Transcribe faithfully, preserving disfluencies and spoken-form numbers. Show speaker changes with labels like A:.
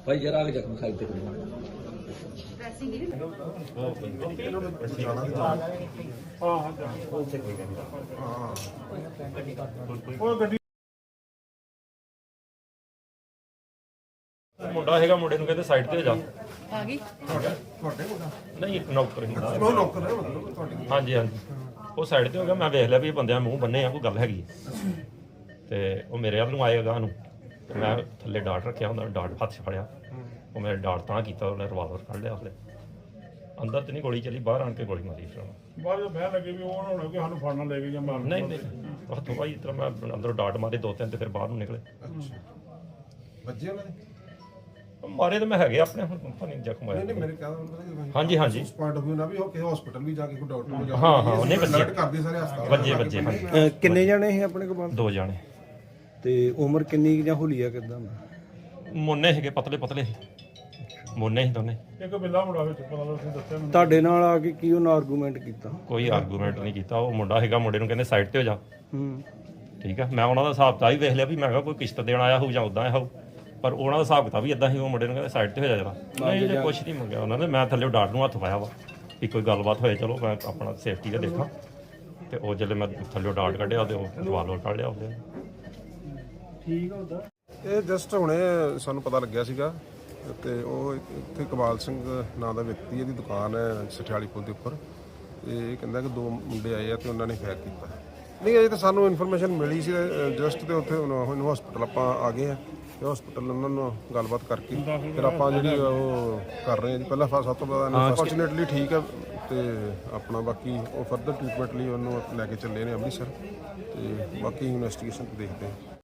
A: भाई जरा आगे जख्म साइड पे करो।
B: ਮੁੰਡਾ ਹੈਗਾ, ਮੁੰਡੇ ਨੂੰ ਕਹਿੰਦੇ ਸਾਈਡ ਤੇ ਹੋ ਜਾ।
C: ਆ ਗਈ
B: ਨਹੀਂ ਨੌਕਰ ਹੀ
D: ਉਹ ਨੌਕਰ ਹੈ ਮਤਲਬ ਤੁਹਾਡੀ।
B: ਹਾਂਜੀ ਹਾਂਜੀ, ਉਹ ਸਾਈਡ ਤੇ ਹੋ ਗਿਆ। ਮੈਂ ਵੇਖ ਲਿਆ ਵੀ ਇਹ ਬੰਦਿਆਂ ਮੂੰਹ ਬੰਨੇ ਆ, ਕੋਈ ਗੱਲ ਹੈਗੀ ਹੈ। ਤੇ ਉਹ ਮੇਰੇ ਵੱਲ ਨੂੰ ਆਏਗਾ ਨੂੰ, ਤੇ ਮੈਂ ਥੱਲੇ ਡਾਟ ਰੱਖਿਆ ਹੁੰਦਾ, ਡਾਟ ਹੱਥ 'ਚ ਫੜਿਆ। ਉਹ ਮੇਰੇ ਡਾਟ ਤਾਂ ਕੀਤਾ, ਉਹਨੇ ਰਿਵਾਲਵਰ ਕੱਢ ਲਿਆ। ਉਹਦੇ ਅੰਦਰ ਤੇ ਨਹੀਂ ਗੋਲੀ ਚੱਲੀ, ਬਾਹਰ ਆਣ ਕੇ ਗੋਲੀ ਮਾਰੀ ਫਿਰ ਉਹਨੇ।
E: ਬਾਅਦ ਵਿੱਚ ਬਹਿਣ ਲੱਗੇ ਵੀ ਉਹ ਨਾ ਹੋਣਾ ਕਿ ਸਾਨੂੰ ਫੜਨਾ ਲੈ ਕੇ ਜਾਂ ਮਾਰਨ।
B: ਨਹੀਂ ਨਹੀਂ, ਹੱਥੋਂ ਭਾਈ ਇਸ ਤਰ੍ਹਾਂ ਮੈਂ ਅੰਦਰੋਂ ਡਾਟ ਮਾਰੇ ਦੋ ਤਿੰਨ, ਤੇ ਫਿਰ ਬਾਹਰ ਨੂੰ ਨਿਕਲੇ।
D: ਵੱਜੇ ਉਹਨਾਂ ਦੇ?
B: ਮਾਰੇ ਤਾਂ ਮੈਂ ਹੈਗੇ ਆਪਣੇ, ਹੁਣ ਪਤਾ ਨਹੀਂ ਜ਼ਖਮ
D: ਨਹੀਂ ਨਹੀਂ,
B: ਆਇਆ।
D: ਮੇਰੇ ਕਹਿੰਦਾ
B: ਹਾਂਜੀ ਹਾਂਜੀ,
D: ਉਸ ਪੁਆਇੰਟ ਆਫ ਵਿਊ ਨਾਲ ਵੀ ਉਹ ਕਿਸੇ ਹਸਪੀਟਲ ਵੀ ਜਾ ਕੇ ਕੋਈ ਡਾਕਟਰ ਨੂੰ ਜਾ
B: ਹਾਂ ਹਾਂ, ਉਹਨੇ ਵੱਜੇ
D: ਅਲਰਟ ਕਰਦੇ ਸਾਰੇ ਹਸਪਤਾਲ
B: ਵੱਜੇ ਵੱਜੇ ਹਾਂਜੀ।
F: ਕਿੰਨੇ ਜਾਣੇ ਸੀ ਆਪਣੇ ਕੋਲ?
B: ਦੋ ਜਾਣੇ।
F: ਤੇ ਉਮਰ ਕਿੰਨੀ ਜਾਂ ਹੁਲੀਆ ਕਿਦਾਂ?
B: ਮੋਨੇ ਹੈਗੇ, ਪਤਲੇ ਪਤਲੇ ਮੋਨੇ ਸੀ ਦੋਨੇ।
E: ਇੱਕ ਬਿੱਲਾ ਮੁੰਡਾ ਵਿੱਚ ਪਤਾ ਲੱਗ ਤੁਸੀਂ ਦੱਸਿਆ ਮੈਨੂੰ।
F: ਤੁਹਾਡੇ ਨਾਲ ਆ ਕੇ ਕੀ ਉਹਨਾਂ ਆਰਗੂਮੈਂਟ ਕੀਤਾ?
B: ਕੋਈ ਆਰਗੂਮੈਂਟ ਨਹੀਂ ਕੀਤਾ। ਉਹ ਮੁੰਡਾ ਹੈਗਾ, ਮੁੰਡੇ ਨੂੰ ਕਹਿੰਦੇ ਸਾਈਡ ਤੇ ਹੋ ਜਾ।
F: ਹੂੰ,
B: ਠੀਕ ਆ, ਮੈਂ ਉਹਨਾਂ ਦਾ ਹਿਸਾਬ ਤਾਂ ਹੀ ਵੇਖ ਲਿਆ ਵੀ ਮੈਂ ਕਿਹਾ ਕੋਈ ਕਿਸ਼ਤ ਦੇਣ ਆਇਆ ਹੋਊ ਜਾਂ ਉਦਾਂ ਆਇਆ ਹੋਊ, ਪਰ ਉਹਨਾਂ ਦਾ ਹਿਸਾਬ ਕਿਤਾਬ ਵੀ ਇਦਾਂ ਹੀ। ਉਹ ਮੁੰਡੇ ਨੂੰ ਕਹਿੰਦੇ ਸਾਈਡ ਤੇ ਹੋ ਜਾ ਜਰਾ। ਨਹੀਂ ਜੇ ਕੁਛ ਨਹੀਂ ਮੰਗਿਆ ਉਹਨਾਂ ਨੇ। ਮੈਂ ਥੱਲੇ ਡਾਟ ਨੂੰ ਹੱਥ ਪਾਇਆ ਵਾ ਵੀ ਕੋਈ ਗੱਲਬਾਤ ਹੋਏ, ਚਲੋ ਮੈਂ ਆਪਣਾ ਸੇਫਟੀ ਦਾ ਦੇਖਾਂ। ਤੇ ਉਹ ਜਦੋਂ ਮੈਂ ਥੱਲੇ ਡਾਟ ਕੱਢਿਆ ਤੇ ਉਹ ਰਿਵਾਲਵਰ ਕੱਢ ਲਿਆ ਉਹਦੇ।
D: ਇਹ ਜਸਟ ਹੁਣੇ ਸਾਨੂੰ ਪਤਾ ਲੱਗਿਆ ਸੀਗਾ, ਤੇ ਉਹ ਇੱਥੇ ਇਕਬਾਲ ਸਿੰਘ ਨਾਂ ਦਾ ਵਿਅਕਤੀ, ਇਹਦੀ ਦੁਕਾਨ ਹੈ ਸਠਿਆਲੀ ਪੁਲ ਦੇ ਉੱਪਰ। ਤੇ ਇਹ ਕਹਿੰਦਾ ਕਿ ਦੋ ਮੁੰਡੇ ਆਏ ਆ ਤੇ ਉਹਨਾਂ ਨੇ ਫਾਇਰ ਕੀਤਾ। ਨਹੀਂ, ਅਜੇ ਤਾਂ ਸਾਨੂੰ ਇਨਫੋਰਮੇਸ਼ਨ ਮਿਲੀ ਸੀ ਜਸਟ, ਤੇ ਉੱਥੇ ਹੁਣ ਹਸਪੀਟਲ ਆਪਾਂ ਆ ਗਏ ਆ। ਤੇ ਹਸਪੀਟਲ ਉਹਨਾਂ ਨੂੰ ਗੱਲਬਾਤ ਕਰਕੇ ਫਿਰ ਆਪਾਂ ਜਿਹੜੀ ਉਹ ਕਰ ਰਹੇ ਹਾਂ ਜੀ। ਪਹਿਲਾਂ ਸਭ ਤੋਂ ਪਹਿਲਾਂ ਅਨਫੋਰਚੂਨੇਟਲੀ ਠੀਕ ਹੈ, ਤੇ ਆਪਣਾ ਬਾਕੀ ਉਹ ਫਰਦਰ ਟ੍ਰੀਟਮੈਂਟ ਲਈ ਉਹਨੂੰ ਲੈ ਕੇ ਚੱਲੇ ਨੇ ਅੰਮ੍ਰਿਤਸਰ। ਤੇ ਬਾਕੀ ਇਨਵੈਸਟੀਗੇਸ਼ਨ ਦੇਖਦੇ ਹਾਂ।